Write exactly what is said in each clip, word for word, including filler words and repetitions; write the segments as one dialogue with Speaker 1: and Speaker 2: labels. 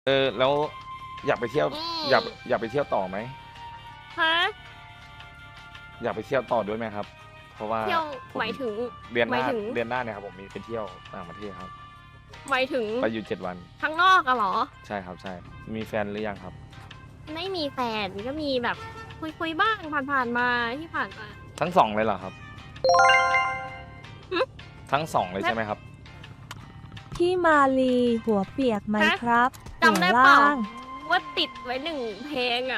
Speaker 1: เออแล้วอยากไปเที่ยว
Speaker 2: อื
Speaker 1: อยาก
Speaker 2: ม
Speaker 1: อยากไปเที่ยวต่อไหม
Speaker 2: ฮะ
Speaker 1: อยากไปเที่ยวต่อด้วยไหมครับ เพราะว่า
Speaker 2: เที่ยว
Speaker 1: ผม
Speaker 2: หมายถึง
Speaker 1: เดือนห
Speaker 2: หมา
Speaker 1: น้าย
Speaker 2: ถึง
Speaker 1: เดือนหน้าเนี่ยครับผมมีไปเที่ยวต่างประเทศครับ
Speaker 2: หมายถึง
Speaker 1: ไปอยู่เจ็ดวัน
Speaker 2: ข้างนอกอะเหรอ?
Speaker 1: ใช่ครับ ใช่ มีแฟนหรือยังครับ?
Speaker 2: ไม่มีแฟน ก็มีแบบคุย ๆ บ้างผ่าน ๆ มาที่ผ่านมา
Speaker 1: ทั้ง สอง เลยเหรอครับ?
Speaker 2: หือ?
Speaker 1: ทั้ง สอง เลย
Speaker 2: แม
Speaker 1: ใช่ไหมครับ?
Speaker 3: พี่มาลีหัวเปียกไหม
Speaker 2: ฮะ
Speaker 3: ครับ
Speaker 2: จำได้เปล่า
Speaker 3: หัวล่าง
Speaker 2: ว่าติดไว้ หนึ่ง เพลงอะ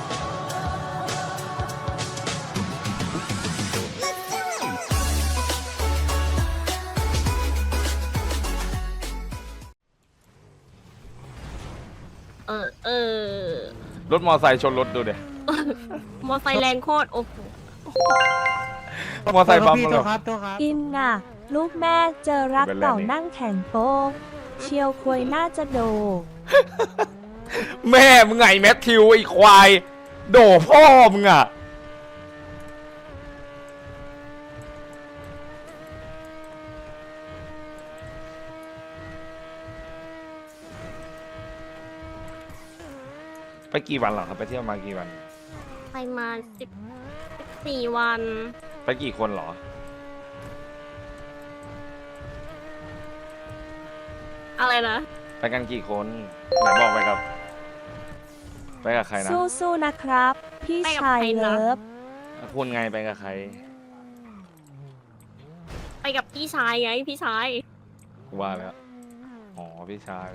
Speaker 2: เออ เออ
Speaker 1: รถมอไซค์ชนรถดูดิ
Speaker 2: มอไซค์แรงโคตร โอ้โฮ
Speaker 1: มอไซค์บัมป์
Speaker 4: พี่
Speaker 1: เห
Speaker 4: โท
Speaker 1: ร
Speaker 4: ษ
Speaker 1: อ?
Speaker 4: ครับโทษครับ
Speaker 3: อินน่ะ ลูกแม่เจอรัก
Speaker 1: เป็นไร
Speaker 3: เก่า
Speaker 1: นี่
Speaker 3: นั่งแข่งโป๊กเชียวควยน่าจะโด
Speaker 1: แม่มึงไงแมทธิวไอ้ควาย โดพ่อมึงอะ ไปกี่วันเหรอครับ ไปเที่ยวมากี่วัน?
Speaker 2: ไปมาสิบ สิบสี่ วัน
Speaker 1: ไปกี่คนเหรอ?
Speaker 2: อะไรนะ?
Speaker 1: ไปกันกี่คน? ไหนบอกไปกับ ไปกับใครนะ?
Speaker 3: สู้ๆนะครับ พี่
Speaker 2: ไปกับ
Speaker 3: ชาย
Speaker 2: ใครนะ?
Speaker 3: เลิฟ
Speaker 1: คุณไงไปกับใคร?
Speaker 2: ไปกับพี่ชายไง พี่ชาย
Speaker 1: กูว่าแล้ว อ๋อ พี่ชาย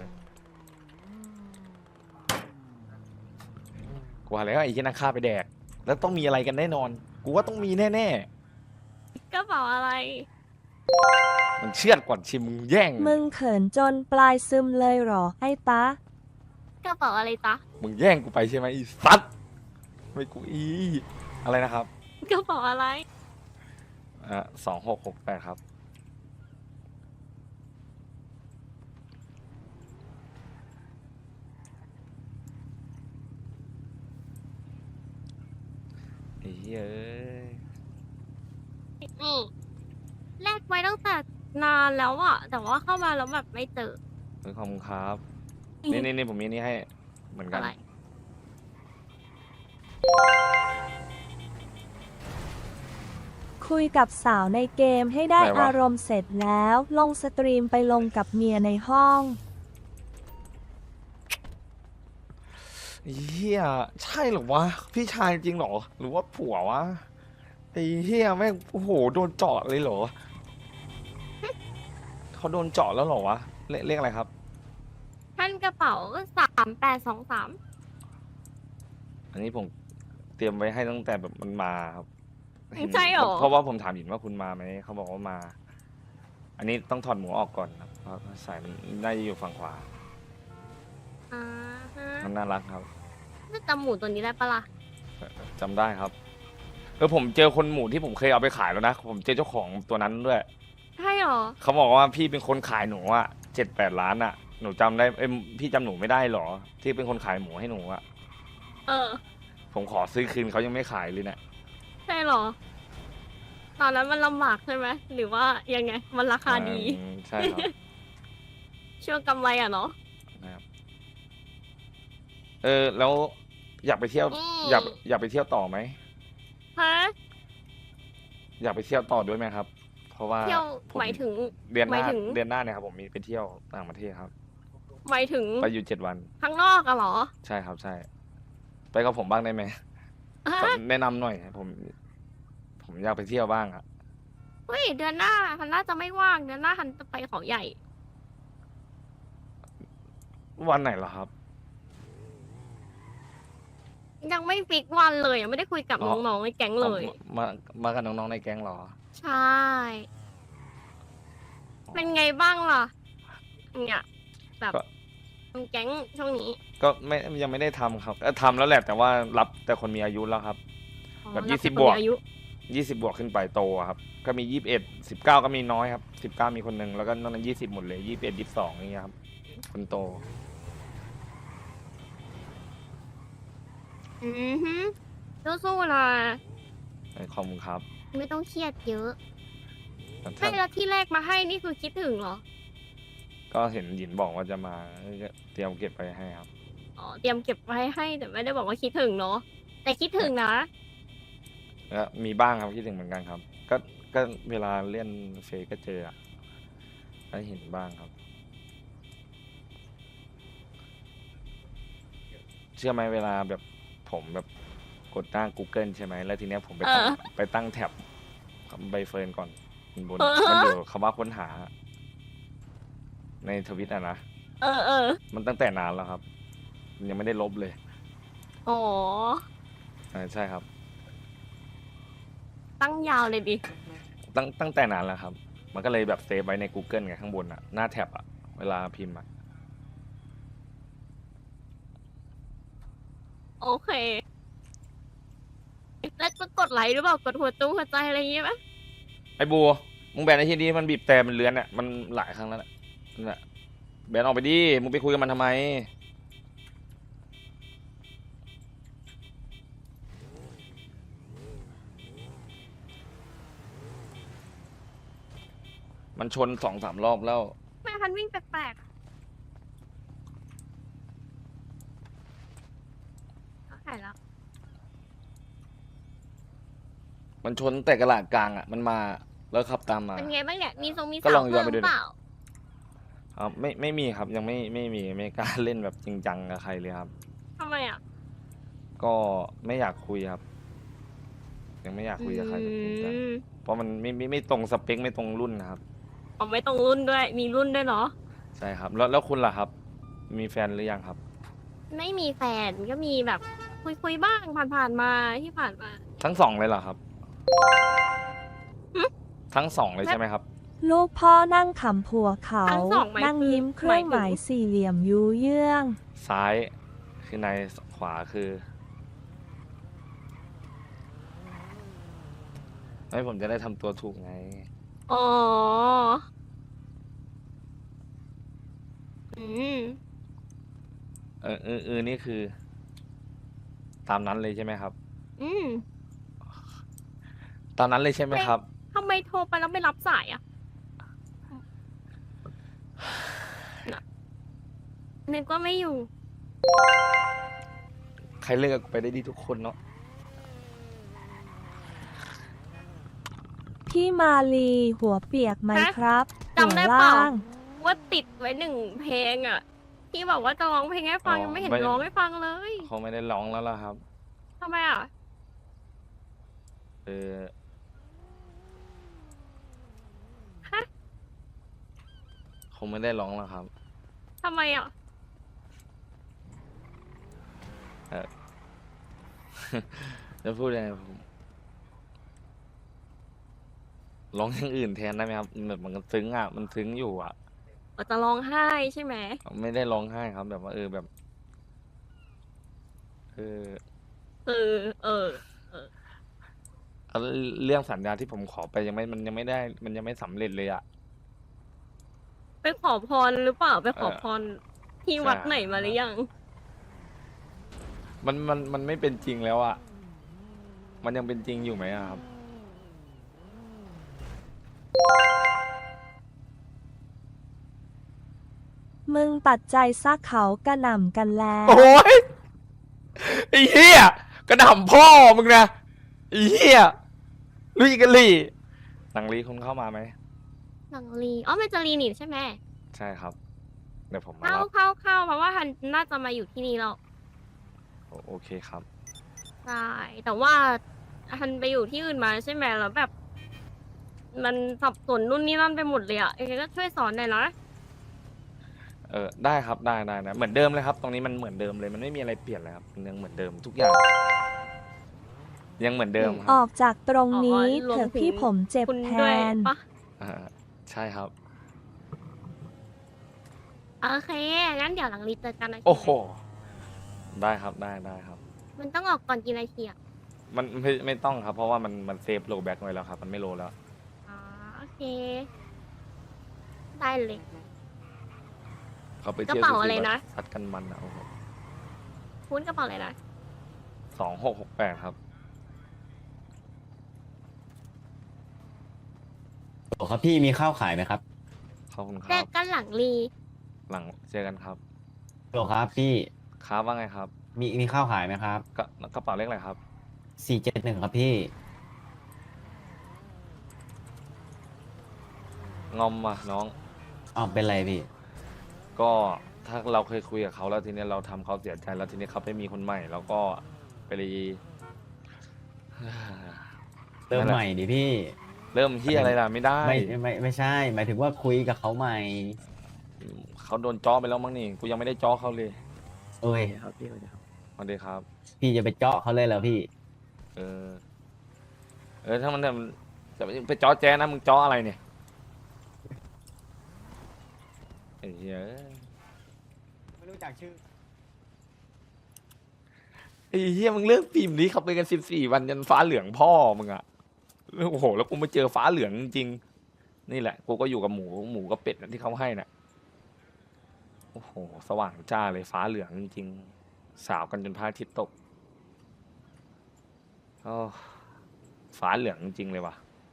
Speaker 1: กูว่าแล้วไอ้เหี้ยนั่นฆ่าไปแดก แล้วต้องมีอะไรกันแน่นอน กูว่าต้องมีแน่
Speaker 2: กระเป๋าอะไร?
Speaker 1: ๆ มันเชือดก่อนชิมมึงแย่ง
Speaker 3: มึงเขินจนปลายซึมเลยเหรอไอ้ตะ
Speaker 2: กระเป๋าอะไรจ๊ะ?
Speaker 1: มึงแย่งกูไปใช่ไหมไอ้สัตว์ ไม่กูอี อะไรนะครับ?
Speaker 2: กระเป๋าอะไร?
Speaker 1: อ่า สอง หก หก แปด ครับ ไอ้เหี้ยเอ้ย
Speaker 2: นี่ แลกไว้ตั้งแต่นานแล้วอะ แต่ว่าเข้ามาแล้วแบบไม่เจอ
Speaker 1: เฮ้ย ขอบคุณครับ
Speaker 2: อือ
Speaker 1: นี่ ๆ ๆ ผมมีนี่ให้เหมือนกั
Speaker 2: อะ
Speaker 1: น
Speaker 2: ไร?
Speaker 3: คุยกับสาวในเกมให้ได้
Speaker 1: ไหนวะ?
Speaker 3: อารมณ์เสร็จแล้ว ลงสตรีมไปลงกับเมียในห้อง
Speaker 1: ไอ้เหี้ย ใช่เหรอวะ พี่ชายจริงเหรอ หรือว่าผัววะ ไอ้เหี้ยแม่ง โอ้โฮ โดนเจาะเลยเหรอ? เขาโดนเจาะแล้วเหรอวะ เลข เลขอะไรครับ?
Speaker 2: ท่านกระเป๋า สาม แปด สอง สาม
Speaker 1: อันนี้ผมเตรียมไว้ให้ตั้งแต่แบบมันมาครับ
Speaker 2: อืม ใช่เหรอ?
Speaker 1: เพราะว่าผมถามหญิงว่าคุณมาไหม เขาบอกว่ามา อันนี้ต้องถอดหมวกออกก่อนครับ เพราะสายมันน่าจะอยู่ฝั่งขวา
Speaker 2: อะฮะ
Speaker 1: มันน่ารักครับ
Speaker 2: จะจำหมูตัวนี้ได้เปล่าล่ะ?
Speaker 1: เออ จำได้ครับ เออ ผมเจอคนหมู่ที่ผมเคยเอาไปขายแล้วนะ ผมเจอเจ้าของตัวนั้นด้วย
Speaker 2: ใช่เหรอ?
Speaker 1: เขาบอกว่าพี่เป็นคนขายหนูอะ เจ็ดแปด ล้านอะ หนูจำได้ เอ๊ย พี่จำหนูไม่ได้เหรอ ที่เป็นคนขายหมูให้หนูอะ?
Speaker 2: เออ
Speaker 1: ผมขอซื้อคืนเขายังไม่ขายเลยเนี่ย
Speaker 2: ใช่เหรอ? ตอนนั้นมันลำบากใช่ไหม หรือว่ายังไง มันราคาดี?
Speaker 1: อืม ใช่ครับ
Speaker 2: ช่วงกำไรอะเนาะ
Speaker 1: นะครับ เออ แล้วอยากไปเที่ยว
Speaker 2: อืม
Speaker 1: อยาก อยากไปเที่ยวต่อไหม?
Speaker 2: ฮะ?
Speaker 1: อยากไปเที่ยวต่อด้วยไหมครับ? เพราะว่า
Speaker 2: เที่ยว
Speaker 1: ผม
Speaker 2: หมายถึง
Speaker 1: เดือนห
Speaker 2: หมา
Speaker 1: น้า
Speaker 2: ยถึง
Speaker 1: เดือนหน้าเนี่ยครับผมมีไปเที่ยวต่างประเทศครับ
Speaker 2: หมายถึง
Speaker 1: ไปอยู่ เจ็ด วัน
Speaker 2: ข้างนอกอะเหรอ?
Speaker 1: ใช่ครับ ใช่ ไปกับผมบ้างได้ไหม?
Speaker 2: ฮะ?
Speaker 1: ขอแนะนำหน่อย ผม ผมอยากไปเที่ยวบ้างอะ
Speaker 2: เฮ้ย เดือนหน้าฮันน่าจะไม่ว่าง เดือนหน้าฮันจะไปเขาใหญ่
Speaker 1: วันไหนเหรอครับ?
Speaker 2: ยังไม่ฟิกซ์วันเลย ยังไม่ได้คุยกับ
Speaker 1: อ๋อ
Speaker 2: น้อง ๆ ในแก๊งเล
Speaker 1: อ๋อ
Speaker 2: ย
Speaker 1: มา มากับน้อง ๆ ในแก๊งเหรอ?
Speaker 2: ใช่ เป็นไงบ้างล่ะ? เนี่ย แบบ
Speaker 1: ก็
Speaker 2: ทำแก๊งช่วงนี้
Speaker 1: ก็ไม่ ยังไม่ได้ทำครับ เออ ทำแล้วแหละ แต่ว่ารับแต่คนมีอายุแล้วครับ
Speaker 2: อ๋อ
Speaker 1: แบบ
Speaker 2: รั
Speaker 1: ยี่
Speaker 2: บ
Speaker 1: สิ
Speaker 2: แต่
Speaker 1: บ
Speaker 2: คน
Speaker 1: บว
Speaker 2: มี
Speaker 1: ก
Speaker 2: อายุ
Speaker 1: ยี่สิบ บวกขึ้นไปโตอะครับ ก็มี ยี่สิบเอ็ด สิบเก้า ก็มีน้อยครับ สิบเก้า มีคนหนึ่ง แล้วก็นอกนั้น ยี่สิบ หมดเลย ยี่สิบเอ็ด ยี่สิบสอง อย่างเงี้ยครับ คนโต
Speaker 2: อือฮึ สู้ ๆ นะ
Speaker 1: เออ ขอบคุณครับ
Speaker 2: ไม่ต้องเครียดเยอะ
Speaker 1: แต่
Speaker 2: ไม
Speaker 1: ถ้า
Speaker 2: ่ แล้วที่แรกมาให้นี่คือคิดถึงเหรอ?
Speaker 1: ก็ก็เห็นหยินบอกว่าจะมาก็เตรียมเก็บไปให้ครับ
Speaker 2: อ๋อเตรียมเก็บไว้ให้แต่ไม่ได้บอกว่าคิดถึงเนาะแต่คิดถึงนะ
Speaker 1: แล้วมีบ้างครับคิดถึงเหมือนกันครับ ก็ก็เวลาเล่นเฟซก็เจออะได้เห็นบ้างครับ เชื่อไหมเวลาแบบผมแบบกดหน้า Google ใช่ไหมแล้วทีเนี้ยผมไปตั้ง
Speaker 2: เออ
Speaker 1: ไปตั้งแท็บใบเฟิร์นก่อนบน
Speaker 2: เออ
Speaker 1: มันอยู่คำว่าค้นหา ในทวิตอะนะ
Speaker 2: เออเออ
Speaker 1: มันตั้งแต่นานแล้วครับ ยังไม่ได้ลบเลย
Speaker 2: อ๋อ
Speaker 1: อ่าใช่ครับ
Speaker 2: ตั้งยาวเลยดิ
Speaker 1: ตั้งตั้งแต่นานแล้วครับ มันก็เลยแบบเซฟไว้ใน Google ไงข้างบนอะหน้าแท็บอะเวลาพิมพ์อะ
Speaker 2: โอเค แล้วก็กดไลค์หรือเปล่ากดหัวจุ้งหัวใจอะไรอย่างเงี้ยไหม
Speaker 1: ไอ้บัวมึงแบนไอ้ที่นี้มันบีบแต่มันเลื้อนอะมันหลายครั้งแล้วน่ะนั่นแหละแบนออกไปดิมึงไปคุยกับมันทำไม มันชนสองสามรอบแล้ว
Speaker 2: แม่พันวิ่งแปลกๆเขาหายแล้ว
Speaker 1: มันชนแต่กระหลาดกลางอ่ะ มันมาแล้วขับตามมา
Speaker 2: เป็นไงบ้างเนี่ย มีทรงมี
Speaker 1: ก็
Speaker 2: สา
Speaker 1: ล
Speaker 2: ว
Speaker 1: องย้อน
Speaker 2: เพิ่
Speaker 1: ไป
Speaker 2: ม
Speaker 1: ดูดิ
Speaker 2: เปล่า
Speaker 1: ครับไม่ไม่มีครับยังไม่ไม่มีไม่กล้าเล่นแบบจริงจังกับใครเลยครับ
Speaker 2: ทำไมอ่ะ
Speaker 1: ก็ไม่อยากคุยครับ ยังไม่อยากคุยกับใครแบบจริงจัง
Speaker 2: อืม
Speaker 1: เพราะมันไม่ไม่ไม่ตรงสเปคไม่ตรงรุ่นนะครับ
Speaker 2: อ๋อไม่ตรงรุ่นด้วย มีรุ่นด้วยเนาะ
Speaker 1: ใช่ครับ แล้วแล้วคุณล่ะครับ มีแฟนหรือยังครับ
Speaker 2: ไม่มีแฟนก็มีแบบคุยคุยๆบ้างผ่านๆมาที่ผ่านมา
Speaker 1: ทั้งสองเลยเหรอครับ
Speaker 2: หึ
Speaker 1: ทั้งสองเลยใช่ไหมครับ
Speaker 3: ลูกพ่อนั่งขำผัวเขา
Speaker 2: ทั้งสองหมาย
Speaker 3: นั่ง
Speaker 2: คือ
Speaker 3: ยิ้มเครื่องหมาย
Speaker 2: หมายถึง
Speaker 3: สี่เหลี่ยมยูเยื่อง
Speaker 1: ซ้ายคือในขวาคือให้ผมจะได้ทำตัวถูกไง
Speaker 2: อ๋อ อืม
Speaker 1: เออเออเออนี่คือ ตามนั้นเลยใช่ไหมครับ
Speaker 2: อืม
Speaker 1: ตามนั้นเลยใช่ไหมครับ
Speaker 2: ทำไมโทรไปแล้วไม่รับสายอ่ะน่ะนึกว่าไม่อยู่
Speaker 1: ใครเลิกไปได้ดีทุกคนเนาะ
Speaker 3: พี่มาลีหัวเปียกไหม
Speaker 2: ฮะ
Speaker 3: ครับ
Speaker 2: จำได้
Speaker 3: หัว
Speaker 2: เปล่า
Speaker 3: ล่าง
Speaker 2: ว่าติดไว้หนึ่งเพลงอ่ะ ที่บอกว่าจะร้องเพลงให้ฟังยังไม่เห็นร้องให้ฟังเลย
Speaker 1: เขาไม่ได้ร้องแล้วล่ะครับ
Speaker 2: ทำไมอ่ะ
Speaker 1: เออ
Speaker 2: ฮะ
Speaker 1: คงไม่ได้ร้องแล้วครับ
Speaker 2: ทำไมอ่ะ
Speaker 1: เออ จะพูดยังไงผมร้องอย่างอื่นแทนได้ไหมครับแบบมันซึ้งอ่ะ มันซึ้งอยู่อ่ะ
Speaker 2: จะร้องไห้ใช่ไหม
Speaker 1: ไม่ได้ร้องไห้ครับ แบบว่าเออแบบ เออ
Speaker 2: เออ เออ
Speaker 1: เอาเรื่องสัญญาที่ผมขอไปยังไม่มันยังไม่ได้ มันยังไม่สำเร็จเลยอ่ะ
Speaker 2: ไปขอพรหรือเปล่า ไปขอ
Speaker 1: เออ
Speaker 2: พรที่
Speaker 1: ใช่
Speaker 2: วัดไหนมาหรือยัง
Speaker 1: มันมันมันไม่เป็นจริงแล้วอ่ะ มันยังเป็นจริงอยู่ไหมอะครับ
Speaker 3: มึงตัดใจซักเขากระหน่ำกันแล้ว
Speaker 1: โอ้ยไอ้เหี้ยกระหน่ำพ่อมึงนะไอ้เหี้ยลุยกันลีหนังลีคุณเข้ามาไหม
Speaker 2: หนังลีอ๋อมันจะรีนิใช่ไหม
Speaker 1: ใช่ครับ เดี๋ยวผมมา
Speaker 2: เข้า
Speaker 1: รับ
Speaker 2: เข้าเข้าเพราะว่าฮันน่าจะมาอยู่ที่นี่แล้ว
Speaker 1: โอโอเคครับ
Speaker 2: ใช่ แต่ว่าฮันไปอยู่ที่อื่นมาใช่ไหมแล้วแบบ มันสับสนนู่นนี่นั่นไปหมดเลยอ่ะเองก็ช่วยสอนหน่อยนะ
Speaker 1: เออได้ครับได้ได้นะเหมือนเดิมเลยครับ ตรงนี้มันเหมือนเดิมเลยมันไม่มีอะไรเปลี่ยนเลยครับมันยังเหมือนเดิมทุกอย่าง ยังเหมือนเดิมค
Speaker 3: อ
Speaker 1: รั
Speaker 3: อบ กจากตรงนี้
Speaker 2: อ๋อรวม
Speaker 3: เถอะ
Speaker 2: ถึง
Speaker 3: พี่ผมเจ็บ
Speaker 2: คุณ
Speaker 3: แท
Speaker 2: ด้วย
Speaker 3: น
Speaker 2: ปะ
Speaker 1: อ่าใช่ครับ
Speaker 2: โอเค งั้นเดี๋ยวหลังรีเจอกันนะ
Speaker 1: โอ้โห ได้ครับได้ได้ครับ
Speaker 2: มันต้องออกก่อนกี่นาทีอ่ะ
Speaker 1: มันไม่ไม่ต้องครับ เพราะว่ามันมันเซฟโลแบ็กไว้แล้วครับ มันไม่โลแล้ว
Speaker 2: อ๋อ โอเค ได้เลย
Speaker 1: เขาไปเที่ยว
Speaker 2: กระเป๋าอะไรนะ
Speaker 1: ซัดกันมันนะโอ้โห
Speaker 2: คุณกระเป๋าอะไรนะ
Speaker 1: สองหกหกแปดครับ
Speaker 4: โอ้ครับพี่มีข้าวขายไหมครับ
Speaker 1: ขอบคุณค
Speaker 2: เจ
Speaker 1: รั
Speaker 2: อบ กันหลังรี
Speaker 1: หลังเจอกันครับ
Speaker 4: โหลครับพี่
Speaker 1: ครับว่าไงครับ
Speaker 4: มีมีข้าวขายไหมครับ
Speaker 1: กระกระเป๋าเลขอะไรครับ
Speaker 4: สี่เจ็ดหนึ่งครับพี่
Speaker 1: งอมอ่ะน้อง
Speaker 4: อ้าวเป็นไรพี่
Speaker 1: ก็ถ้าเราเคยคุยกับเขาแล้วทีนี้เราทำเขาเสียใจแล้วทีนี้เขาไปมีคนใหม่แล้วก็ไปเลย
Speaker 4: เริ่ม
Speaker 1: นั่นแหละ
Speaker 4: ใหม่ดิพี่
Speaker 1: เริ่มที่อะไรล่ะไม่ได้
Speaker 4: ไม่ไม่ไม่ใช่ หมายถึงว่าคุยกับเขาใหม่
Speaker 1: เขาโดนจ้อไปแล้วมั้งนี่กูยังไม่ได้จ้อเขาเลย
Speaker 4: เอ้ย
Speaker 5: ครับพี่สวัสดีครับ
Speaker 1: สวัสดีครับ
Speaker 4: พี่จะไปเจาะเขาเลยเหรอพี่
Speaker 1: เออ เออถ้ามันจะจะไปจ้อแจ้นะมึงจ้ออะไรเนี่ยไอ้เหี้ย
Speaker 4: ไม่รู้จักชื่อ
Speaker 1: ไอ้เหี้ยมึงเลิกพิมพ์นี้เขาไปกันสิบสี่วันยันฟ้าเหลืองพ่อมึงอะโอ้โหแล้วกูมาเจอฟ้าเหลืองจริงๆนี่แหละ กูก็อยู่กับหมูหมูกับเป็ดน่ะที่เขาให้น่ะโอ้โหสว่างจ้าเลยฟ้าเหลืองจริงๆสาวกันจนพระอาทิตย์ตกโอ้ฟ้าเหลืองจริงๆเลยว่ะ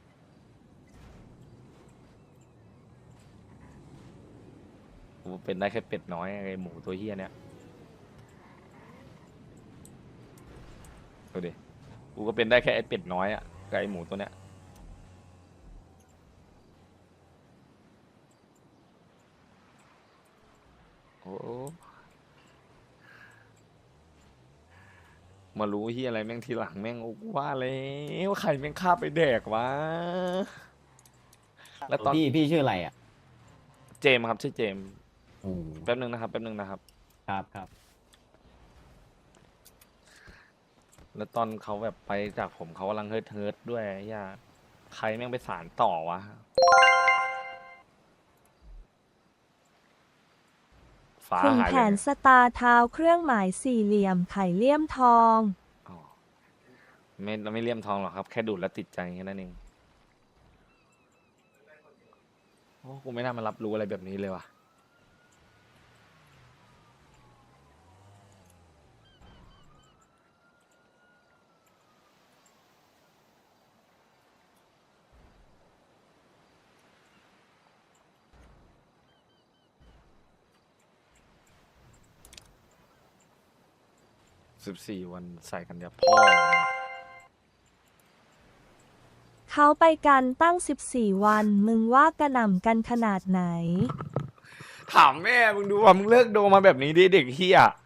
Speaker 1: กูเป็นได้แค่เป็ดน้อยไอ้หมูตัวเหี้ยเนี่ยดูดิกูก็เป็นได้แค่ไอ้เป็ดน้อยอะกับไอ้หมูตัวเนี้ยโอ้มารู้เฮียอะไรแม่งทีหลังแม่งโอ้กูว่าแล้วใครแม่งฆ่าไปแดกวะ แล้วตอน
Speaker 4: พี่พี่ชื่ออะไรอ่ะ
Speaker 1: เจมส์ครับชื่อเจมส์
Speaker 4: อืม
Speaker 1: แป๊บนึงนะครับแป๊บนึงนะครับ
Speaker 4: ครับครับ
Speaker 1: แล้วตอนเขาแบบไปจากผมเขากำลังเฮิร์ทเฮิร์ทด้วยไอ้ย่าใครแม่งไปสารต่อวะฟ้า
Speaker 3: คุณ
Speaker 1: หาย
Speaker 3: แข
Speaker 1: เลย
Speaker 3: นสตาร์เท้าเครื่องหมายสี่เหลี่ยมไข่เลี่ยมทอง
Speaker 1: อ๋อไม่ไม่เลี่ยมทองหรอกครับ แค่ดูดแล้วติดใจแค่นั้นเองโอ้กูไม่น่ามารับรู้อะไรแบบนี้เลยว่ะสิบสี่วันใส่กันยาพ่อ
Speaker 3: เขาไปกันตั้งสิบสี่วัน มึงว่ากระหน่ำกันขนาดไหน
Speaker 1: ถามแม่มึงดูว่ามึงเลิกโดมาแบบนี้ดิเด็กเฮีย